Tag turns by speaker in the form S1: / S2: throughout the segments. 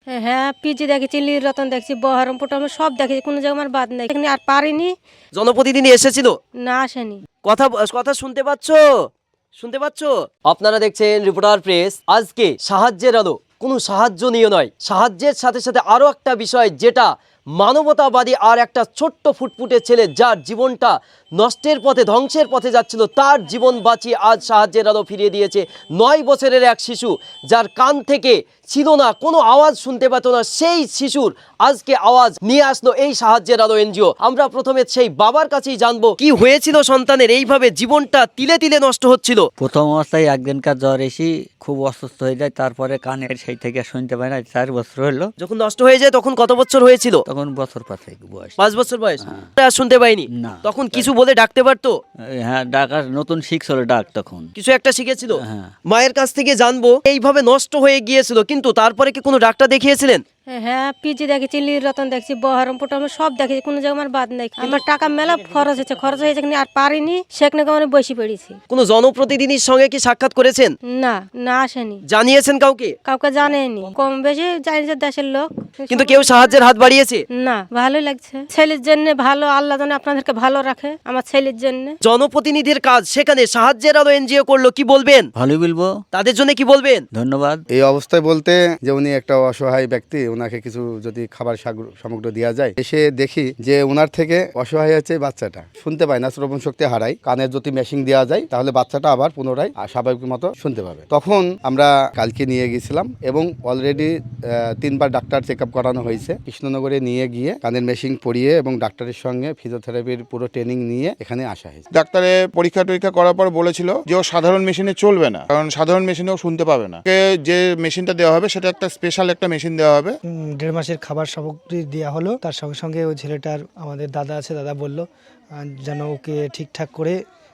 S1: হ্যাঁ, পিজি দেখেছি, লীলরতন দেখছি, বহরমপুর আমি সব দেখেছি, কোনো জায়গায় আমার বাদ নাই। এখানে আর পারিনি।
S2: জনপ্রতিনিধি এসেছিল?
S1: না, আসেনি।
S2: কথা কথা শুনতে পাচ্ছো? শুনতে পাচ্ছো? আপনারা দেখছেন রিপোর্টার প্রেস। আজকে সাহায্যের আলো কোনো সাহায্য নিয়ে নয়, সাহায্যের সাথে সাথে আরো একটা বিষয় যেটা মানবতাবাদী আর একটা ছোট্ট ফুটফুটে ছেলে যার জীবনটা নষ্টের পথে ধ্বংসের পথে যাচ্ছিল তার জীবন বাঁচিয়ে আজ সাহায্যের আলো ফিরিয়ে দিয়েছে 9 বছরের এক শিশু যার কান থেকে ছিল না, কোনো আওয়াজ শুনতে পেত না, সেই শিশুর আজকে আওয়াজ নিয়ে আসলো এই সাহায্যের আলো এনজিও। আমরা প্রথমে সেই বাবার কাছেই জানবো কি হয়েছিল সন্তানের, এইভাবে জীবনটা তিলে তিলে নষ্ট হচ্ছিল।
S3: প্রথম অবস্থায় একদিনকার জ্বর এসে খুব অসুস্থ হয়ে যায়, তারপরে কানের সেই থেকে শুনতে পায় না। 4 বছর হলো।
S2: যখন নষ্ট হয়ে যায় তখন কত বছর হয়েছিল?
S3: তখন বছর 5 বয়স।
S2: 5 বছর বয়স। আর শুনতে পাইনি
S3: না।
S2: তখন কিছু বলে ডাকতে পারতো?
S3: হ্যাঁ, ডাকার নতুন শিখছিল ডাক, তখন
S2: কিছু একটা শিখেছিল।
S3: হ্যাঁ।
S2: মায়ের কাছ থেকে জানবো এইভাবে নষ্ট হয়ে গিয়েছিল, কিন্তু তারপরে কি কোনো ডাক্তার দেখিয়েছিলেন?
S1: হ্যাঁ, পিজি দেখেছি, লীলরতন দেখছি, বহরমপুর আমি সব দেখেছি, কোনো জায়গায় আমার বাদ নাই। আমার টাকা মেলা খরচ হয়েছে এখানে আর পারিনি, সেখানে আমি বসে পড়েছি।
S2: কোনো জনপ্রতিনিধির সঙ্গে কি সাক্ষাৎ করেছেন?
S1: না, না আসেনি।
S2: জানিয়েছেন কাউকে?
S1: কাউকে জানেনি, কম বেশি জানি যে দেশের লোক।
S2: কিন্তু কেউ সাহায্যের হাত বাড়িয়েছে?
S1: না, ভালোই লাগছে। ছেলের জন্য ভালো, আল্লাহ যেন আপনাদেরকে ভালো রাখে আমার ছেলের জন্য।
S2: জনপ্রতিনিধির কাজ সেখানে সাহায্যের আলো এনজিও করলো, কি বলবেন?
S3: ভালোই বলবো,
S2: তাদের জন্য কি বলবেন?
S3: ধন্যবাদ।
S4: এই অবস্থায় বলতে যে উনি একটা অসহায় ব্যক্তি, ওনাকে কিছু যদি খাবার সামগ্রী দেওয়া যায়। এসে দেখি যে ওনার থেকে অসহায় হচ্ছে বাচ্চাটা, শুনতে পায় না, শ্রবণ শক্তি হারায়। কানের যদি মেশিন দেওয়া যায় তাহলে বাচ্চাটা আবার পুনরায় স্বাভাবিক মতো শুনতে পাবে। তখন আমরা কালকে নিয়ে গেছিলাম এবং অলরেডি 3বার ডাক্তার চেক আপ করানো হয়েছে। কৃষ্ণনগরে নিয়ে গিয়ে কানের মেশিন পরিয়ে এবং ডাক্তারের সঙ্গে ফিজিওথেরাপির পুরো ট্রেনিং নিয়ে এখানে আসা হয়েছে।
S5: ডাক্তারে পরীক্ষা টরীক্ষা করার পর বলেছিল যে ও সাধারণ মেশিনে চলবে না, কারণ সাধারণ মেশিনেও শুনতে পাবে না। ওকে যে মেশিনটা দেওয়া হবে সেটা একটা স্পেশাল একটা মেশিন দেওয়া হবে।
S6: 1.5 মাসের খাবার সামগ্রী দেওয়া হলো। তার সঙ্গে সঙ্গে ওই ছেলেটার আমাদের দাদা আছে, দাদা বলল যেন ওকে ঠিকঠাক করে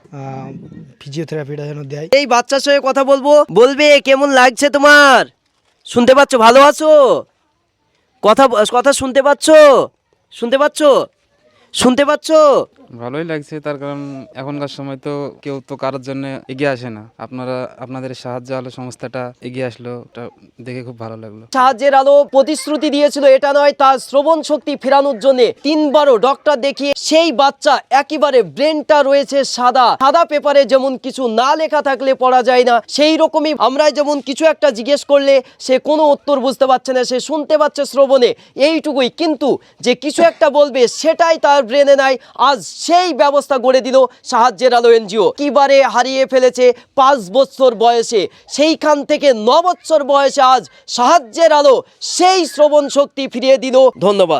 S6: ফিজিওথেরাপিটা যেন দেয়।
S2: এই বাচ্চার সঙ্গে কথা বলবে কেমন লাগছে তোমার? শুনতে পাচ্ছ? ভালো আছো? কথা শুনতে পাচ্ছ? শুনতে পাচ্ছ? শুনতে পাচ্ছ?
S7: ভালোই লাগছে, তার কারণ এখনকার সময় তো কেউ তো কারোর জন্য এগিয়ে আসে না। আপনাদের সাহায্য আলো সংস্থাটা এগিয়ে আসলো, এটা দেখে খুব ভালো লাগলো।
S2: সাহায্যের আলো প্রতিশ্রুতি দিয়েছিল এটা নয়, তার শ্রবণ শক্তি ফেরানোর জন্য 3বারও ডক্টর দেখিয়ে সেই বাচ্চা একেবারে ব্রেনটা রয়েছে সাদা পেপারে, যেমন কিছু না লেখা থাকলে পড়া যায় না, সেই রকমই আমরা যেমন কিছু একটা জিজ্ঞেস করলে সে কোনো উত্তর বুঝতে পারছে না, সে শুনতে পাচ্ছে শ্রবণে এইটুকুই, কিন্তু যে কিছু একটা বলবে সেটাই তার ব্রেনে নাই। আজ সেই ব্যবস্থা গড়ে দিল সাহায্যের আলো এনজিও। কিবারে হারিয়ে ফেলেছে 5 বছর বয়সে, সেইখান থেকে 9 বছর বয়সে আজ সাহায্যের আলো সেই শ্রবণ শক্তি ফিরিয়ে দিল। ধন্যবাদ।